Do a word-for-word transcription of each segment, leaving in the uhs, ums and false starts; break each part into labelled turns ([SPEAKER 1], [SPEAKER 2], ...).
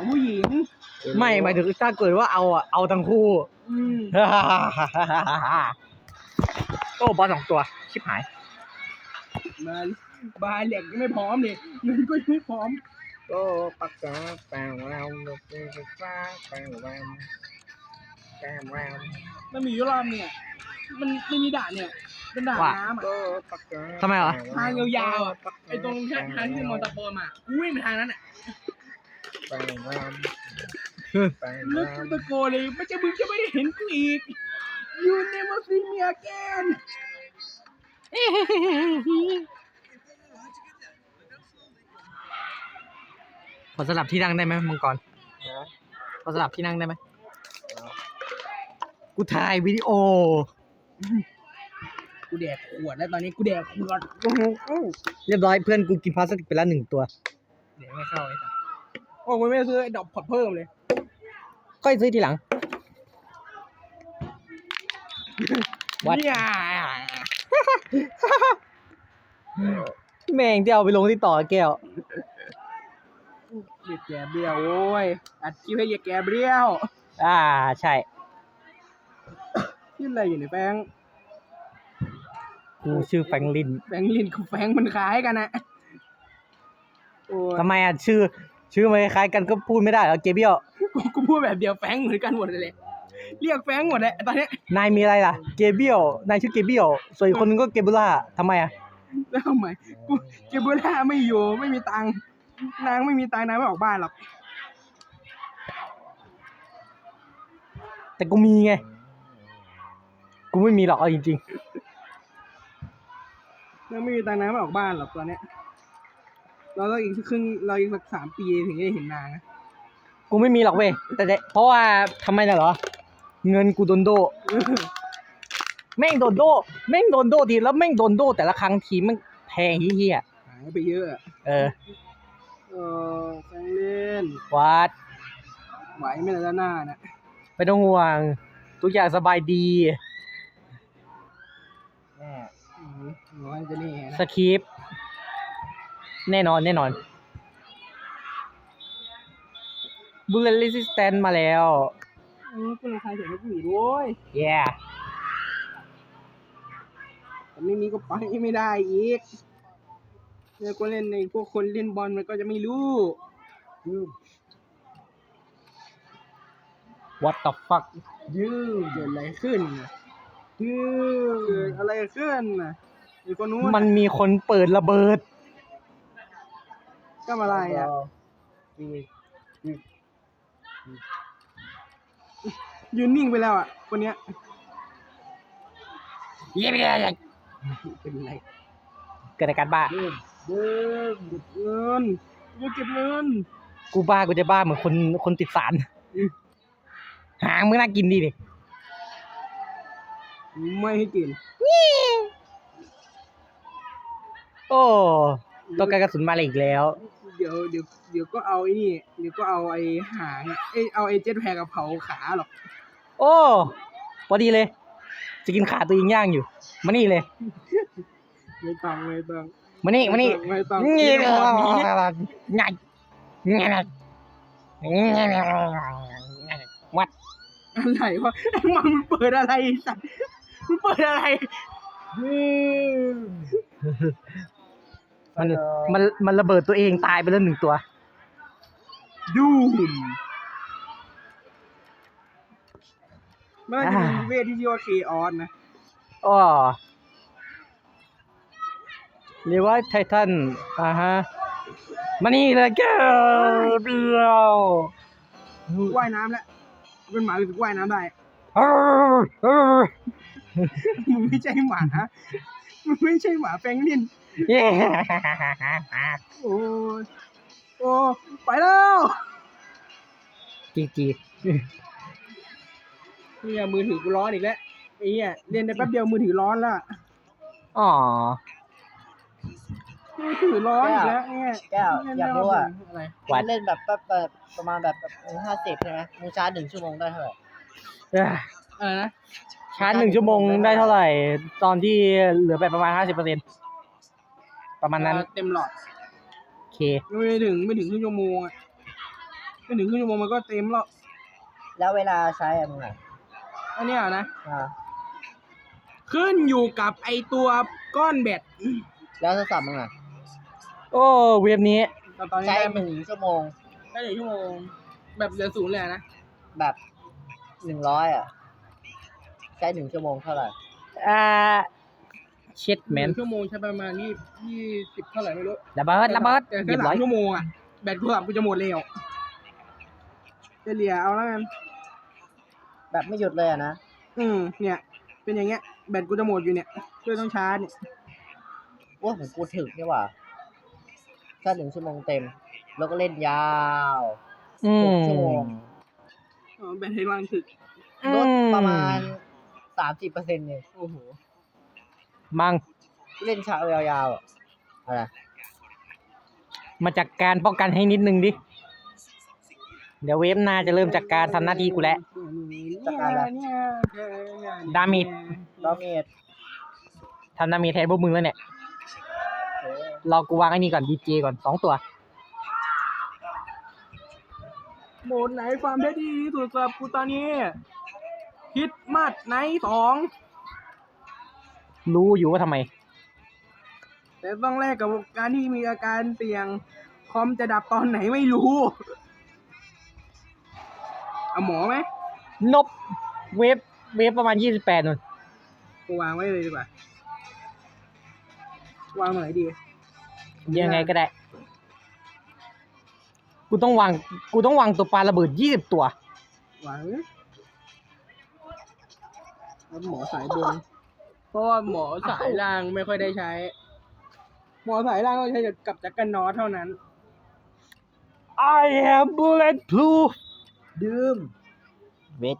[SPEAKER 1] ของผู้หญิง
[SPEAKER 2] ไม่หมายถึงถ้าเกิดว่าเอาอ่ะเอาทั้งคู่โอ้บอลสองตัวชิบหาย
[SPEAKER 1] มาบาเหล็กยังไม่พร้อมเลยเงินก็ยังไม่พร้อม
[SPEAKER 2] ก็ปักกาแปลงเราโลกไฟฟ้าแปลงแรมแกมแรม
[SPEAKER 1] มันมีอยู่รอบเนี่ยมันไม่มีด่านเนี่ยเป็นด่านน้ำอ่ะ
[SPEAKER 2] ทำไมเหรอ
[SPEAKER 1] ทางยาวๆอ่ะไอ้ตรงทางที่มอเตอร์โปรมากูวิ่งไปทางนั้นอ่ะ
[SPEAKER 2] แปลงแรม
[SPEAKER 1] ลึกตะโกนเลยไม่จะมึงจะไม่ได้เห็นกูอีก You never see me again
[SPEAKER 2] ขอสลับที่นั่งได้ไหมมังกรขอสลับที่นั่งได้ไหมกูถ่ายวิดีโอ
[SPEAKER 1] กูแดกขวดแล้วตอนนี้กูแดกขวด
[SPEAKER 2] เรียบร้อยเพื่อนกูกินพลาสติกไปแล้วหนึ่งตัว
[SPEAKER 1] เดี๋ยวไม่เข้าไอ้สัสโอ้กูไม่ซื้อไอ้ดอกพอดเพิ่มเลย
[SPEAKER 2] ก็ซื้อทีหลัง
[SPEAKER 1] วัด
[SPEAKER 2] แม่งที่เอาไปลงที่ต่อแก้ว
[SPEAKER 1] เรียกแกเบี้ยวโว้ยอัดคลิปให้เรียกแกเบี้ยว
[SPEAKER 2] อ่าใช่
[SPEAKER 1] ชื่ออะไรอยู่ในแฟง
[SPEAKER 2] กูชื่อแฟงลิน
[SPEAKER 1] แฟงลินกับแฟงมันคล้ายกันนะ
[SPEAKER 2] ทำไมอ่ะชื่อชื่อมันคล้ายกันก็พูดไม่ได้เหรอเกเบี้ยว
[SPEAKER 1] กูพูดแบบเดียวแฟงเหมือนกันหมดเลยเรียกแฟงหมดเลยตอนนี้
[SPEAKER 2] นายมีอะไรล่ะเกเบี้ยวนายชื่อเกเบี้ยวส่วนอีกคนนึงก็เกเบล่าทำไมอ่ะ
[SPEAKER 1] แล้วทำไมกูเกเบล่าไม่อยู่ไม่มีตังค์นางไม่มีตังค์นางไม่ออกบ้านหรอก
[SPEAKER 2] แต่กูมีไงกูไม่มีหรอกเอาจริง
[SPEAKER 1] ๆนางไม่มีตังค์นางไม่ออกบ้านหรอกตอนนี้เราต้องอีกสักครึ่งเราอีกสักสามปีถึงจะเห็นนางนะ
[SPEAKER 2] กูไม่มีหรอกเว้ยแต่เพราะว่าทำไมน่ะเหรอเงินกูโดนโดแม่งโดนโดแม่งโดนโดทีแล้วแม่งโดนโดแต่ละครั้งทีมันแพงเฮี้ย
[SPEAKER 1] หายไปเยอะ
[SPEAKER 2] เออ
[SPEAKER 1] เออแฟงเล่น
[SPEAKER 2] วัด
[SPEAKER 1] ไหวไม่ละหน้านะ
[SPEAKER 2] ไม่ต้องห่วงทุกอย่างสบายดี
[SPEAKER 1] แน่น้อยจะนี่
[SPEAKER 2] สคริปต์แน่นอนแน่นอนบูลเลตรีสิสแตนมาแล้ว
[SPEAKER 1] อือคุณใครเห็นกูอีกด้วย
[SPEAKER 2] แย่
[SPEAKER 1] แต่ไม่มีก็ไปไม่ได้อีกเนี่ยก็เล่นในพวกคนเล่นบอลมันก็จะไม่รู้
[SPEAKER 2] What the fuck
[SPEAKER 1] ยืดเกิดอะไรขึ้นยืดเกิดอะไรขึ้นน่ะไอ้คนนู้น
[SPEAKER 2] มันมีคนเปิดระเบิด
[SPEAKER 1] ก็อะไรอ่ะยืนนิ่งไปแล้วอ่ะคนเนี้ย
[SPEAKER 2] เย้ไม่ได้
[SPEAKER 1] เป็นไร
[SPEAKER 2] เกิดอาการบ้า
[SPEAKER 1] เดินเดินเก็บเงินกูเก็บเงิน
[SPEAKER 2] กูบ้ากูจะบ้าเหมือนคนคนติดสารหางมึงน่ากินดีดิ
[SPEAKER 1] ไม่ให้กิน
[SPEAKER 2] โอ้ต้องการกระสุนมาเลยอีกแล้ว
[SPEAKER 1] เดี๋ยวเดี๋ยวเดี๋ยวก็เอาไอ้นี่เดี๋ยวก็เอาไอ้หางไอ้เอาไอ้เจ็ตแพ็กกับเผาขาหรอก
[SPEAKER 2] โอ้พอดีเลยจะกินขาตัวเองย่างอยู่มานี่เลย
[SPEAKER 1] ไม่ต้องไม่ต้อง
[SPEAKER 2] มานี่มานี่
[SPEAKER 1] ไม่ต้อง
[SPEAKER 2] นี่ง่ายง่ายวัด
[SPEAKER 1] อะไรวะมันมันเปิดอะไรสัตว์มันเปิดอะไร
[SPEAKER 2] มันมันมันระเบิดตัวเองตายไปแล้วหนึ่งตัว
[SPEAKER 1] ดูมันจะมีเวทที่ชื่อว่าเคออสนะ
[SPEAKER 2] อ๋อเรียกว่าไททันอ่าฮะมานี่เลยแกเบี้ยว
[SPEAKER 1] ว่ายน้ำแล้วเป็นหมาหรือว่ายน้ำได้มึงไม่ใช่หมามึงไม่ใช่หมาแฟงลินโอ้โอ้ไปแล้ว
[SPEAKER 2] จีจี
[SPEAKER 1] เนี่ยมือถือกูร้อนอีกแล้วไอ้เนี่ยเล่นได้แป๊บเดียวมือถือร้อนละ
[SPEAKER 2] อ๋อ
[SPEAKER 1] มือถือร้อนอีกแล้วเนี่ย
[SPEAKER 3] แก้วอยากรู้ว่าอะไรเล่นแบบแบบประมาณแบบห้าสิบใช่ไหมมึงชาร์จหนึ่งชั่วโมงได้เท่าไหร่
[SPEAKER 1] อะไรนะ
[SPEAKER 2] ชาร์จหนึ่งชั่วโมงได้เท่าไหร่ตอนที่เหลือไปประมาณห้าสิบเปอร์เซ็นต์ประมาณนั้น
[SPEAKER 1] เต็มหลอด
[SPEAKER 2] โอเค
[SPEAKER 1] ไม่ถึงไม่ถึงครึ่งชั่วโมงอ่ะไม่ถึงครึ่งชั่วโมงมันก็เต็มแล้ว
[SPEAKER 3] แล้วเวลาใช้อะมึงอ่ะ
[SPEAKER 1] อันเนี้ยนะ
[SPEAKER 3] อ่า
[SPEAKER 1] ขึ้นอยู่กับไอตัวก้อนแบต
[SPEAKER 3] แล้วโทรศัพท์มึงอ่ะ
[SPEAKER 2] โอ้เว็บนี้
[SPEAKER 1] ตอนตอนนี้
[SPEAKER 3] ใช้
[SPEAKER 1] ได้
[SPEAKER 3] หนึ่งชั่วโมง
[SPEAKER 1] ได้หนึ่งชั่วโมง แบบเหลือศูนย์เลยนะ
[SPEAKER 3] แบบหนึ่งร้อยอ่ะ ใช้หนึ่งชั่วโมงเท่าไหร่
[SPEAKER 2] อ่าเช็ด
[SPEAKER 1] ห
[SPEAKER 2] แมน
[SPEAKER 1] นึ่งชั่วโมงใช้ประมาณยี่ยี่สิบเท่าไหร่ไม่รู้
[SPEAKER 2] ระเบิดระเบิด
[SPEAKER 1] แต่
[SPEAKER 2] เรี
[SPEAKER 1] แค่
[SPEAKER 2] ยบ
[SPEAKER 1] สา
[SPEAKER 2] ร้อ
[SPEAKER 1] ม
[SPEAKER 2] ย
[SPEAKER 1] ชั่วโมงอ่ะ แบตกูสับกูจะหมดแล้วจะเหลียเอาแล้วกัน
[SPEAKER 3] แบบไม่หยุดเลยอ่ะนะ
[SPEAKER 1] อืมเนี่ย เป็นอย่างเงี้ย แบตกูจะหมดอยู่เนี่ยช่วยต้องชาร์จเนี่ย
[SPEAKER 3] ว่าของกูถึกนี่หว่าแค่หนึ่งชั่วโมงเต็ม แล้วก็เล่นยาว
[SPEAKER 2] อื
[SPEAKER 3] ห
[SPEAKER 2] ม
[SPEAKER 3] กชั่วโมง
[SPEAKER 1] อ๋อแบตให้วางถึก
[SPEAKER 3] ลดประมาณสามสิบเปอร์เซ็นต์เลย
[SPEAKER 1] โอ้โห
[SPEAKER 2] มัง
[SPEAKER 3] เล่นเช้ายาวๆอ่ะอะไร
[SPEAKER 2] มาจัดการป้องกันให้นิดนึงดิ เดี๋ยวเว็บหน้าจะเริ่มจัดการทำหน้าที่กูแล้ว ดาเมจ
[SPEAKER 3] ดาเมจ
[SPEAKER 2] ทำหน้ามีแทนพวกมึงแล้วเนี่ย
[SPEAKER 3] เออ
[SPEAKER 2] รอกูวางไอ้นี่ก่อนดีเจก่อนสองตัว
[SPEAKER 1] โหมดไหนความได้ดีที่สุดสำหรับกูตอนนี้ฮิตมัดไนท์สอง
[SPEAKER 2] รู้อยู่ว่าทำไม
[SPEAKER 1] แต่ต้องแลกกับการที่มีอาการเสี่ยง คอมจะดับตอนไหนไม่รู้ เอาหมอไหม
[SPEAKER 2] นบเว็บเว็บประมาณยี่สิบแปดนู่น
[SPEAKER 1] กูวางไว้เลยดีกว่า วางตรงไหนดี
[SPEAKER 2] ยังไงก็ได้ กูต้องวาง กูต้องวางตัวปลาระเบิดยี่สิบตัว
[SPEAKER 1] วางแล้วหมอสายบน เพราะว่าหมอสายล่างไม่ค่อยได้ใช้ หมอสายล่างก็ใช้กับจักรนอตเท่านั้น
[SPEAKER 2] I am bulletproof
[SPEAKER 3] ดื่ม
[SPEAKER 2] เวท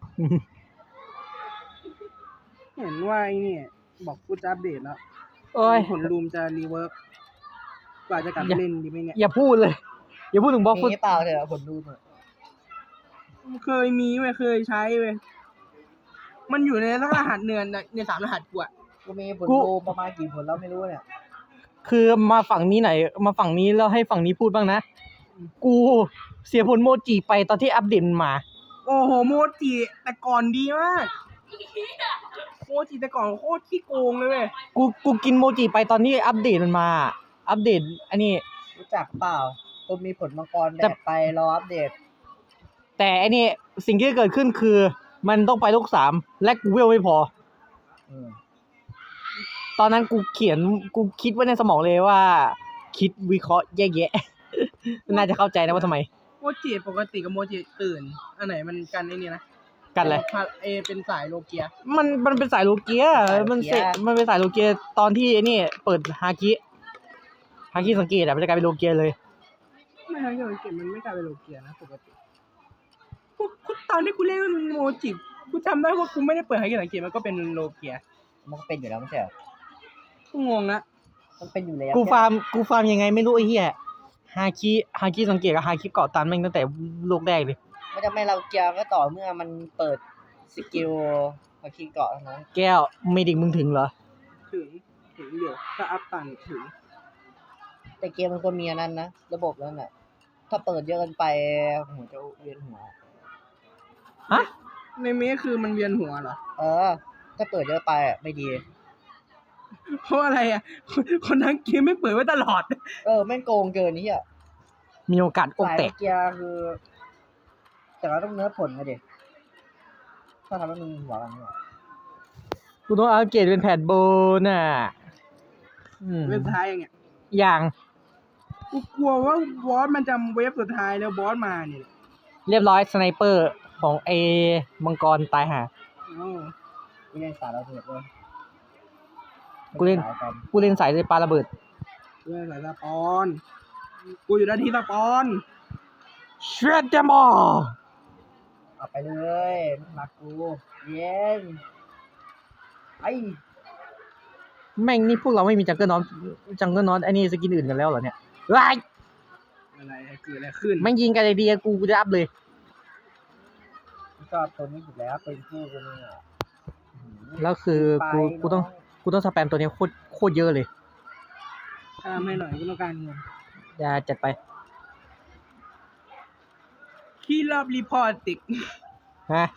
[SPEAKER 1] เห็นว่าไอ้เนี่ย บอกกูจะอัปเดตแล้ว
[SPEAKER 2] โอ้ย
[SPEAKER 1] ผลรูมจะรีเวิร์กกว่าจะกลับ
[SPEAKER 2] อย่า
[SPEAKER 1] เล่นดีไหมเนี่ย
[SPEAKER 2] อย่าพูดเลย อย่าพูดถึงบล็อกฟุต
[SPEAKER 3] มีเปล่าเถอะผลดูหน่อย
[SPEAKER 1] เคยมีเว้ยเคยใช้เว้ยมันอยู่ในรหัสเนือนในสามรหัสกูอะ
[SPEAKER 3] กูมีผลดูประมาณกี่ผลแล้วไม่รู้เนี่ย
[SPEAKER 2] คือมาฝั่งนี้ไหนอยมาฝั่งนี้แล้วให้ฝั่งนี้พูดบ้างนะ กูเสียผลโมจิไปตอนที่อัปเดตมันมา
[SPEAKER 1] โอ้โหโมจิแต่ก่อนดีมากโมจิแต่ก่อนโคตรขี้โกงเลยเว้ย
[SPEAKER 2] กูกูกินโมจิไปตอนที่อัปเดตมันมา อัปเดตอันนี้
[SPEAKER 3] รู้จักเปล่าคนมีผลมังกรแด
[SPEAKER 2] แต่
[SPEAKER 3] ดไปรออัปเดต
[SPEAKER 2] แต่อันนี้สิ่งที่เกิดขึ้นคือ มันต้องไปลูกสามและกูเวลไม่พอ
[SPEAKER 3] อืม
[SPEAKER 2] ตอนนั้นกูเขียนกูคิดไว้ในสมองเลยว่า คิดวิเคราะห์แยกแยะ น่าจะเข้าใจนะว่าทำไม
[SPEAKER 1] โมจิปกติกับโมจิตื่น อันไหนมันกันไอ้นี่นะ
[SPEAKER 2] กันเลย
[SPEAKER 1] พาเอเป็นสายโลเกีย
[SPEAKER 2] มันมันเป็นสายโลเกีย มันเสร็จมันเป็นสายโลเกียตอนที่ไอ้นี่เปิดฮาคิฮาคิสังเกตอะมันจะกลายเป็นโลเกียเลย
[SPEAKER 1] ไม่ใช่โลเกียมันไม่กลายเป็นโลเกียนะปกติกูกูตอนที่กูเล่นโมจิกูจำได้ว่ากูไม่ได้เปิดฮาคิสังเกตมันก็เป็นโลเกีย
[SPEAKER 3] มันก็เป็นอยู่แล้วไม่ใช่เหรอ
[SPEAKER 1] กูงงนะ
[SPEAKER 3] มันเป็นอยู่แล้ว
[SPEAKER 2] กูฟาร์มกูฟาร์มยังไงไม่รู้ไอ้เหี้ยฮาคิฮาคิสังเกตกับฮาคิเกาะตันแม่งตั้งแต่โลกแรกเลย
[SPEAKER 3] ไม่จะไม่เราเกียร์ก็ต่อเมื่อมันเปิดสกิลมาคีเกาะเท่านั้น
[SPEAKER 2] แก้วเมดิกมึงถึงเหรอ
[SPEAKER 1] ถึงถึงเดี๋ยวถ้าอัพตันถึง
[SPEAKER 3] แต่เกมมันก็มีอันนั้นนะระบบนั้นน่ะ ถ้าเปิดเยอะเกินไปหัวจะเวียนหัว
[SPEAKER 2] ฮะ
[SPEAKER 1] ในเมฆคือมันเวียนหัวเหรอ
[SPEAKER 3] เออ ถ้าเปิดเยอะไปอ่ะไม่ดี
[SPEAKER 1] เพราะอะไรอ่ะคนคนทั้งเกมไม่เปิดไว้ตลอด
[SPEAKER 3] เออแม่งโกงเกินนี่อ่ะ
[SPEAKER 2] มีโอกาสอก
[SPEAKER 3] สาย
[SPEAKER 2] แตก
[SPEAKER 3] เกียร์คือ แต่เราต้องเนื้อผลมาดิถ้าทำให้มึงหัวกันเนี่ย
[SPEAKER 2] กูต้องอัปเกรดเป็นแผ่นโบน่ะอืม
[SPEAKER 1] เว็บสุดท้ายอย่างเงี้ย
[SPEAKER 2] อย่าง
[SPEAKER 1] กูกลัวว่าบอสมันจะเว็บสุดท้ายแล้วบอสมาเนี่ย
[SPEAKER 2] เรียบร้อยสไนเปอร์ของไอ้มังกรตายห่า
[SPEAKER 1] เอ้า
[SPEAKER 3] กูเล่นสายเราเถิดเลย
[SPEAKER 2] กูเล่น
[SPEAKER 3] สายกัน
[SPEAKER 2] กูเล่นสายเลยปาระเบิด
[SPEAKER 1] เรื่องสายสปอน กูอยู่ด้านที่สปอน
[SPEAKER 2] เช็ดเดมอ
[SPEAKER 3] เอาไปเลยรักกูเย็นไอ
[SPEAKER 2] แม่งนี่พวกเราไม่มีจังเกิลนอตจังเกิลนอตไอ้นี่สกินอื่นกันแล้วเหรอเนี่ยไอ้ย
[SPEAKER 1] อะไรเกิดอะไรขึ้น
[SPEAKER 2] แม่งยิงกันไอเดียกูกูจะอัพเลย
[SPEAKER 3] ชอบตัวนี้อยู่แล้วเป็นคู่กูเนี่ย
[SPEAKER 2] แล้วคือกูกูต้องกูต้องสแปมตัวนี้โคตรโคตรเยอะเลย
[SPEAKER 1] ตามให้หน่อยกูต้องการเงิน
[SPEAKER 2] อย่าจัดไป
[SPEAKER 1] ขี้รอบรีพอร์ตติก
[SPEAKER 2] ฮะ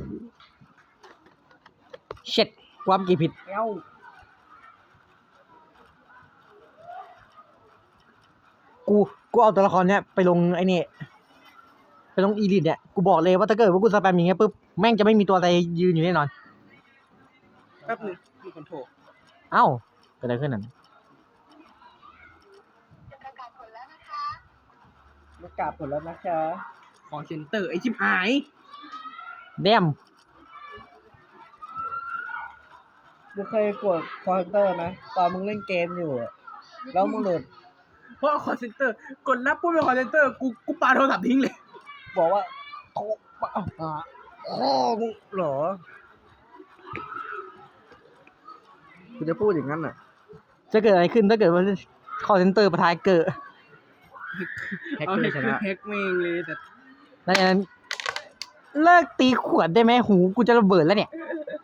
[SPEAKER 2] เช็ดความกี่ผิด
[SPEAKER 3] เอ้า
[SPEAKER 2] กูกูเอาตัวละครเนี้ยไปลงไอ้นี่ไปลงอีลิทเนี่ยกูบอกเลยว่าถ้าเกิดว่ากูสแปมอย่างเงี้ยปุ๊บแม่งจะไม่มีตัวอะไรยืนอยู่แน่นอน
[SPEAKER 1] แป๊บนึงมีคนโทร
[SPEAKER 2] เอ้าเกิดอะไรขึ้นนั่น
[SPEAKER 3] ประกาศผลแล้วนะคะ
[SPEAKER 1] คอเซ็นเตอร์ไอชิบหาย
[SPEAKER 2] เดม
[SPEAKER 3] มึงเคยกดคอมพิวเตอร์ไหมตอนมึงเล่นเกมอยู่อะแล้วมึงโหลด
[SPEAKER 1] เพราะคอเซ็นเตอร์กดรับปุ๊บเป็นคอเซ็นเตอร์กูกูปาโทรศัพท์ทิ้งเลย
[SPEAKER 3] บอกว่าโทรมาเอาหาพ่อมึงเหรอกูจะพูดอย่างนั้นอ่ะ
[SPEAKER 2] จะเกิดอะไรขึ้นถ้าเกิดว่าคอเซนเตอร์ประทายเกิด
[SPEAKER 3] แฮก
[SPEAKER 1] เอา
[SPEAKER 3] เกอ
[SPEAKER 1] แฮก
[SPEAKER 3] ร์ช
[SPEAKER 1] คือ
[SPEAKER 3] นะ
[SPEAKER 1] แฮกเมงเลยแต่
[SPEAKER 2] ดังนั้นเลิกตีขวดได้ไหมหูกูจะระเบิดแล้วเนี่ย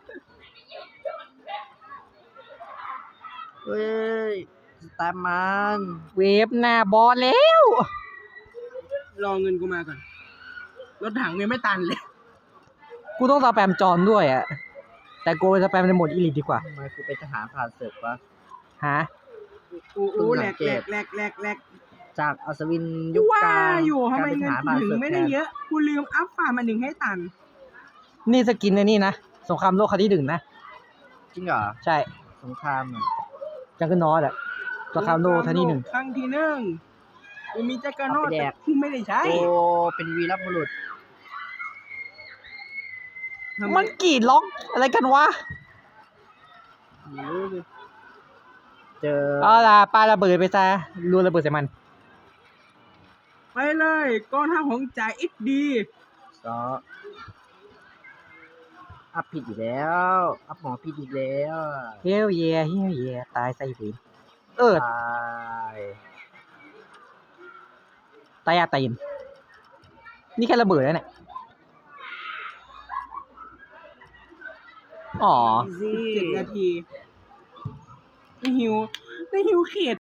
[SPEAKER 3] เฮ้ยสแตมมัน
[SPEAKER 2] เวฟหน้าบอลแล้ว
[SPEAKER 1] รอเงินกูมาก่อนรถถังยังไม่ตันเลย
[SPEAKER 2] กูต้องสแปมจอนด้วยอ่ะ แต่กูไปสแปมในโหมดอีลิทดีกว่า
[SPEAKER 3] ทำไมกูเป็นทหารผ่านศึกวะ
[SPEAKER 2] ฮะ
[SPEAKER 1] อู้อู้แหลกแหลกแหลกแหลกแหลก
[SPEAKER 3] จากอัศวินยุ
[SPEAKER 1] กู
[SPEAKER 3] ค
[SPEAKER 1] ว่าก
[SPEAKER 3] ลาง
[SPEAKER 1] อยู่ทำไม
[SPEAKER 3] กลายเป็น
[SPEAKER 1] เงิ
[SPEAKER 3] ท
[SPEAKER 1] น
[SPEAKER 3] หาร
[SPEAKER 1] กู
[SPEAKER 3] ผ่าน
[SPEAKER 1] ถึง
[SPEAKER 3] ศึก
[SPEAKER 1] ไม่
[SPEAKER 3] แท
[SPEAKER 1] ได้
[SPEAKER 3] น
[SPEAKER 1] เยอะ กูลืมอัพฝ่ามันหนึ่งให้ตัน
[SPEAKER 2] นี่สกินในนี่นะ สงครามโลกครั้งที่หนึ่งนะ
[SPEAKER 3] จริงเหรอ
[SPEAKER 2] ใช่
[SPEAKER 3] สงครามอ่ะ
[SPEAKER 2] จังเกิลนอตอะสงครามโลกครั้งที่หนึ่ง
[SPEAKER 1] ครั้งที่หนึ่งกูมีแจ็คเกอร์โนต
[SPEAKER 3] เอาไปแด
[SPEAKER 1] แต่
[SPEAKER 3] ก
[SPEAKER 1] กูไม่ได้ใช้
[SPEAKER 3] โอ้เป็นวีรบุรุษ
[SPEAKER 1] ทำไม
[SPEAKER 2] มันกรีดล็อกอะไรกันวะ
[SPEAKER 1] ไม่รู้ดิ
[SPEAKER 3] เจอ
[SPEAKER 2] เอาล่ะปาระเบิดไปซะรัวระเบิดใส่มัน
[SPEAKER 1] ไปเลยกองทัพของจ่ายเอ็กดี
[SPEAKER 3] ซออัพผิดอีกแล้วอัพหมอผิดอีกแล้ว
[SPEAKER 2] เฮลเยเฮลเยตายใส่ผีเออ
[SPEAKER 3] ตาย
[SPEAKER 2] ตายยาตายยินนี่แค่ระเบิดแล้วเนี่ย อ๋อ
[SPEAKER 3] ซี่
[SPEAKER 1] เจ็ดนาทีได้หิวได้หิวเขต